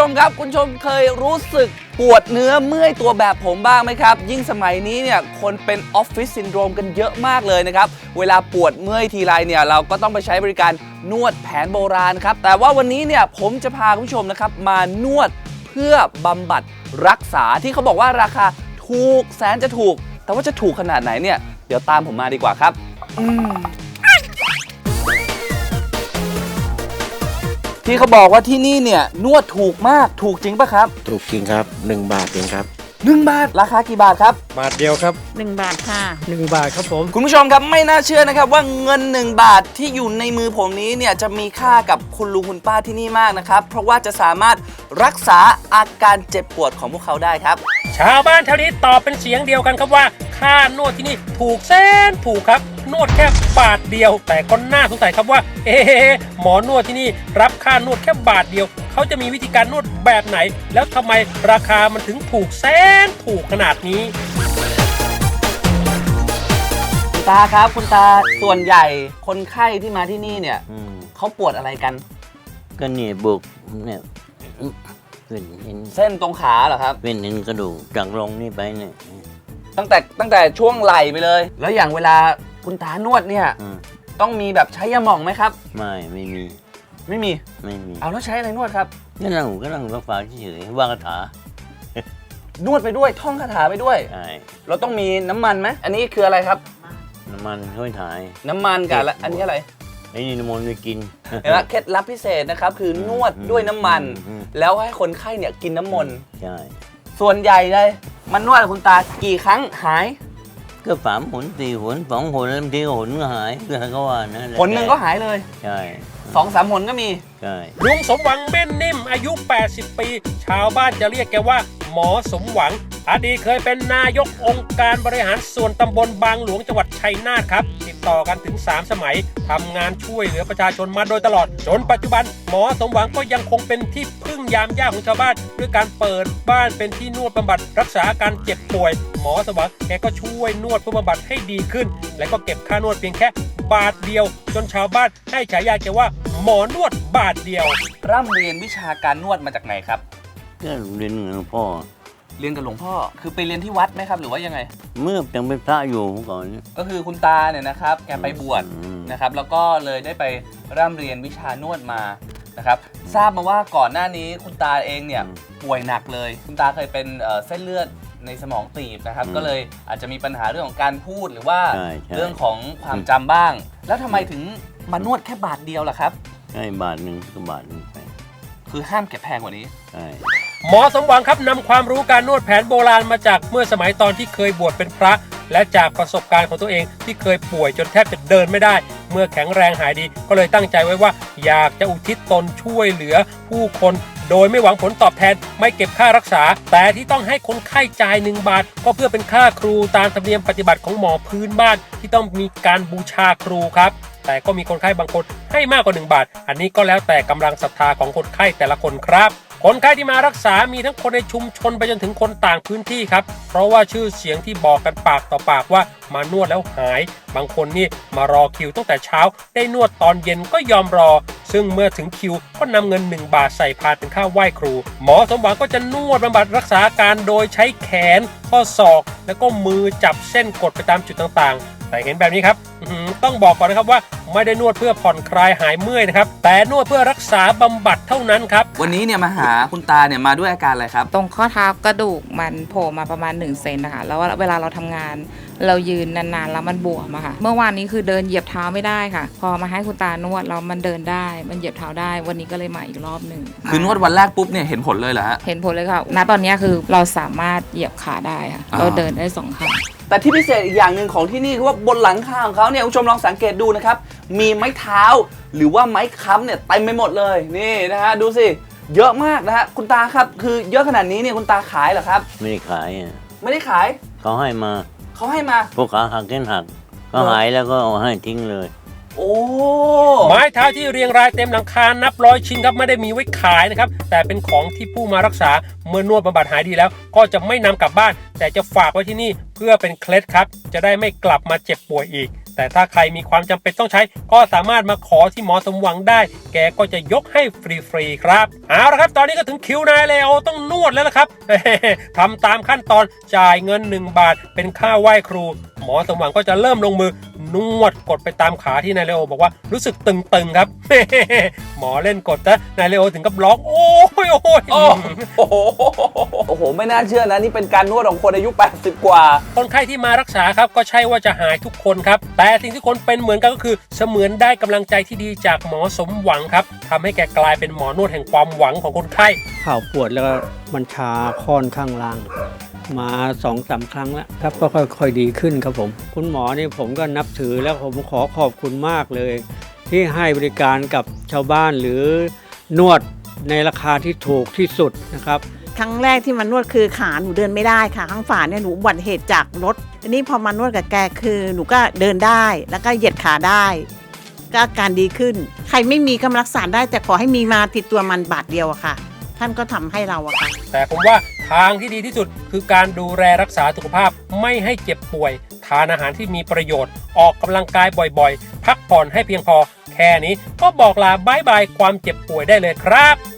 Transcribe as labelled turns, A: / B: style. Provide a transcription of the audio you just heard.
A: มครับคุณผู้ชมเคยรู้สึกปวดเนื้อเมื่อยตัวแบบผมบ้างไหมครับยิ่งสมัยนี้เนี่ยคนเป็นออฟฟิศซินโดรมกันเยอะมากเลยนะครับเวลาปวดเมื่อยทีไรเนี่ยเราก็ต้องไปใช้บริการนวดแผนโบราณครับแต่ว่าวันนี้เนี่ยผมจะพาคุณผู้ชมนะครับมานวดเพื่อบำบัดรักษาที่เขาบอกว่าราคาถูกแสนจะถูกแต่ว่าจะถูกขนาดไหนเนี่ยเดี๋ยวตามผมมาดีกว่าครับที่เขาบอกว่าที่นี่เนี่ยนวดถูกมากถูกจริงปะครับ
B: ถูกจริงครับ1 บาทเองครับ
A: 1 บาทราคากี่บาทครับ
B: บาทเดียวครับ
C: 1 บาทค่ะ
B: 1 บาทครับผม
A: คุณผู้ชมครับไม่น่าเชื่อนะครับว่าเงิน1 บาทที่อยู่ในมือผมนี้เนี่ยจะมีค่ากับคุณลุงคุณป้าที่นี่มากนะครับเพราะว่าจะสามารถรักษาอาการเจ็บปวดของพวกเขาได้ครับ
D: ชาวบ้านแถวนี้ตอบเป็นเสียงเดียวกันครับว่าค่านวดที่นี่ถูกแสนถูกครับนวดแค่บาทเดียวแต่ก็น่าสงสัยครับว่าหมอนวดที่นี่รับค่านวดแค่บาทเดียวเขาจะมีวิธีการนวดแบบไหนแล้วทำไมราคามันถึงถูกแสนถูกขนาดนี้
A: คุณตาครับคุณตาส่วนใหญ่คนไข้ที่มาที่นี่เนี่ยเขาปวดอะไรกัน
E: ก็เนี่ยบุกเนี่ย
A: เส้นตรงขาเหรอครับ
E: เป็นเห็นกระดูกจากลงนี่ไปเนี่ย
A: ตั้งแต่ช่วงไหล่ไปเลยแล้วอย่างเวลาคุณตานวดเนี่ยต้องมีแบบใช้ยาหม่องไหมครับ
E: ไม่มี
A: เอาแล้วใช้อะไรนวดครับ
E: ก็นั่งฟังฟ้าเฉยๆว่างคาถ
A: านวดไปด้วยท่องคาถาไปด้วย
E: ใช่
A: เราต้องมีน้ำมันไหมอันนี้คืออะไรครับ
E: น้ำมันช่วยถ่าย
A: น้ำมันกับอันนี้อะไร
E: ไอ้นี่น้ำมันไม่กิน
A: เห็นไหมเคล็ดลับพิเศษนะครับคือนวดด้วยน้ำมันแล้วให้คนไข้เนี่ยกินน้ำมนต์
E: ใช่
A: ส่วนใหญ่เลยมันนวดคุณตากี่ครั้งหาย
E: ก็3 หน 4 หน 2 หนแล้วบางทีหนก็หายก็ว่านะ
A: หนหนึ่งก็หายเลย
E: ใช่
A: 2-3 หนก็มี
E: ใช่
D: ลุงสมหวังเม่นนิ่มอายุ80 ปีชาวบ้านจะเรียกแกว่าหมอสมหวังอดีตเคยเป็นนายกองค์การบริหารส่วนตำบลบางหลวงจังหวัดชัยนาทครับติดต่อกันถึง3 สมัยทำงานช่วยเหลือประชาชนมาโดยตลอดจนปัจจุบันหมอสมหวังก็ยังคงเป็นที่พึ่งยามยากของชาวบ้านด้วยการเปิดบ้านเป็นที่นวดบำบัดรักษาอาการเจ็บป่วยหมอสมหวังแกก็ช่วยนวดเพื่อบำบัดให้ดีขึ้นและก็เก็บค่านวดเพียงแค่บาทเดียวจนชาวบ้านให้ฉายาแกว่าหมอนวดบาทเดียว
A: ร่ำเรียนวิชาการนวดมาจากไหนครับ
E: ก็เรียนกับหลวงพ่อ
A: เรียนกับหลวงพ่อคือไปเรียนที่วัดไหมครับหรือว่ายังไง
E: เมื่อยังเป็นพระอยู่ก่อน
A: ก็คือคุณตาเนี่ยนะครับแกไปบวชนะครับแล้วก็เลยได้ไปร่ำเรียนวิชานวดมานะครับทราบมาว่าก่อนหน้านี้คุณตาเองเนี่ยป่วยหนักเลยคุณตาเคยเป็นเส้นเลือดในสมองตีบนะครับก็เลยอาจจะมีปัญหาเรื่องของการพูดหรือว่าเรื่องของความจำบ้างแล้วทำไมถึงมานวดแค่บาทเดียวล่ะครับ
E: ใช่บาท 1ก็บาท 1ไป
A: คือห้ามเก็บแพงกว่านี้
E: ใช่
D: หมอสมหวังครับนำความรู้การนวดแผนโบราณมาจากเมื่อสมัยตอนที่เคยบวชเป็นพระและจากประสบการณ์ของตัวเองที่เคยป่วยจนแทบจะเดินไม่ได้เมื่อแข็งแรงหายดีก็เลยตั้งใจไว้ว่าอยากจะอุทิศตนช่วยเหลือผู้คนโดยไม่หวังผลตอบแทนไม่เก็บค่ารักษาแต่ที่ต้องให้คนไข้จ่าย1 บาทก็เพื่อเป็นค่าครูตามธรรมเนียมปฏิบัติของหมอพื้นบ้านที่ต้องมีการบูชาครูครับแต่ก็มีคนไข้บางคนให้มากกว่า1 บาทอันนี้ก็แล้วแต่กำลังศรัทธาของคนไข้แต่ละคนครับคนไข้ที่มารักษามีทั้งคนในชุมชนไปจนถึงคนต่างพื้นที่ครับเพราะว่าชื่อเสียงที่บอกกันปากต่อปากว่ามานวดแล้วหายบางคนนี่มารอคิวตั้งแต่เช้าได้นวดตอนเย็นก็ยอมรอซึ่งเมื่อถึงคิวก็นำเงิน1 บาทใส่พานเป็นค่าไหว้ครูหมอสมหวังก็จะนวดบำบัดรักษาอาการโดยใช้แขนข้อศอกแล้วก็มือจับเส้นกดไปตามจุดต่างๆแต่เห็นแบบนี้ครับต้องบอกก่อนนะครับว่าไม่ได้นวดเพื่อผ่อนคลายหายเมื่อยนะครับแต่นวดเพื่อรักษาบำบัดเท่านั้นครับ
A: วันนี้เนี่ยมาหาคุณตาเนี่ยมาด้วยอาการอะไรครับ
C: ตรงข้อเท้ากระดูกมันโผล่มาประมาณ1 เซนนะคะแล้วเวลาเราทำงานเรายืนนานๆแล้วมันบวมอะค่ะเมื่อวานนี้คือเดินเหยียบเท้าไม่ได้ค่ะพอมาให้คุณตานวดแล้วมันเดินได้มันเหยียบเท้าได้วันนี้ก็เลยมาอีกรอบหนึ่ง
A: คือนวดวันแรกปุ๊บเนี่ยเห็นผลเลยเหรอฮะ
C: เห็นผลเลยค่ะณตอนนี้คือเราสามารถเหยียบขาได้ค่ะเราเดินได้2 ขา
A: แต่ที่พิเศษอีกอย่างหนึ่งของที่นี่คือว่าบนหลังคาของเขาเนี่ยคุณผู้ชมลองสังเกตดูนะครับมีไม้เท้าหรือว่าไม้ค้ำเนี่ยเต็มไปหมดเลยนี่นะฮะดูสิเยอะมากนะฮะคุณตาครับคือเยอะขนาดนี้เนี่ยคุณตาขายเหรอครับ
E: ไม่ได้ขาย
A: ไม่ได้ขาย
E: เขาให้มาพวกขาหักเส้นหักก็หายแล้วก็เอาให้ทิ้งเลย
A: โอ้
D: ไม้เท้าที่เรียงรายเต็มหลังคานับ100 ชิ้นครับไม่ได้มีไว้ขายนะครับแต่เป็นของที่ผู้มารักษาเมื่อนวดบำบัดหายดีแล้วก็จะไม่นำกลับบ้านแต่จะฝากไว้ที่นี่เพื่อเป็นเคล็ดครับจะได้ไม่กลับมาเจ็บป่วยอีกแต่ถ้าใครมีความจำเป็นต้องใช้ก็สามารถมาขอที่หมอสมหวังได้แกก็จะยกให้ฟรีๆครับเอาละครับตอนนี้ก็ถึงคิวนายเลโอต้องนวดแล้วล่ะครับ ทำตามขั้นตอนจ่ายเงิน1 บาทเป็นค่าไหว้ครูหมอสมหวังก็จะเริ่มลงมือนวดกดไปตามขาที่นายเลโอบอกว่ารู้สึกตึงๆครับ หมอเล่นกดนะนายเลโอถึงกับร้องโอ้ย
A: โอ้โหไม่น่าเชื่อนะนี่เป็นการนวดของคนอายุ80กว่า
D: คนไข้ที่มารักษาครับก็ใช่ว่าจะหายทุกคนครับแต่สิ่งที่คนเป็นเหมือนกันก็คือเสมือนได้กำลังใจที่ดีจากหมอสมหวังครับทำให้แกกลายเป็นหมอนวดแห่งความหวังของคนไข้
B: เข่าปวดแล้วก็มันชาค่อนข้างล่างมา2-3 ครั้งแล้วครับก็ค่อยๆดีขึ้นครับผมคุณหมอนี่ผมก็นับถือแล้วผมขอขอบคุณมากเลย ที่ให้บริการกับชาวบ้านหรือนวดในราคาที่ถูกที่สุดนะครับ
F: ครั้งแรกที่มานวดคือขาหนูเดินไม่ได้ค่ะข้างฝาเนี่ยหนูอุบัติเหตุจากรถทีนี้พอมานวดกับแกคือหนูก็เดินได้แล้วก็เหยียดขาได้ก็อาการดีขึ้นใครไม่มีก็รักษาได้แต่ขอให้มีมาติดตัวมันบาทเดียวอะค่ะท่านก็ทำให้เราอะค่ะ
D: แต่ผมว่าทางที่ดีที่สุดคือการดูแลรักษาสุขภาพไม่ให้เจ็บป่วยทานอาหารที่มีประโยชน์ออกกำลังกายบ่อยๆพักผ่อนให้เพียงพอแค่นี้ก็บอกลาบายบายความเจ็บป่วยได้เลยครับ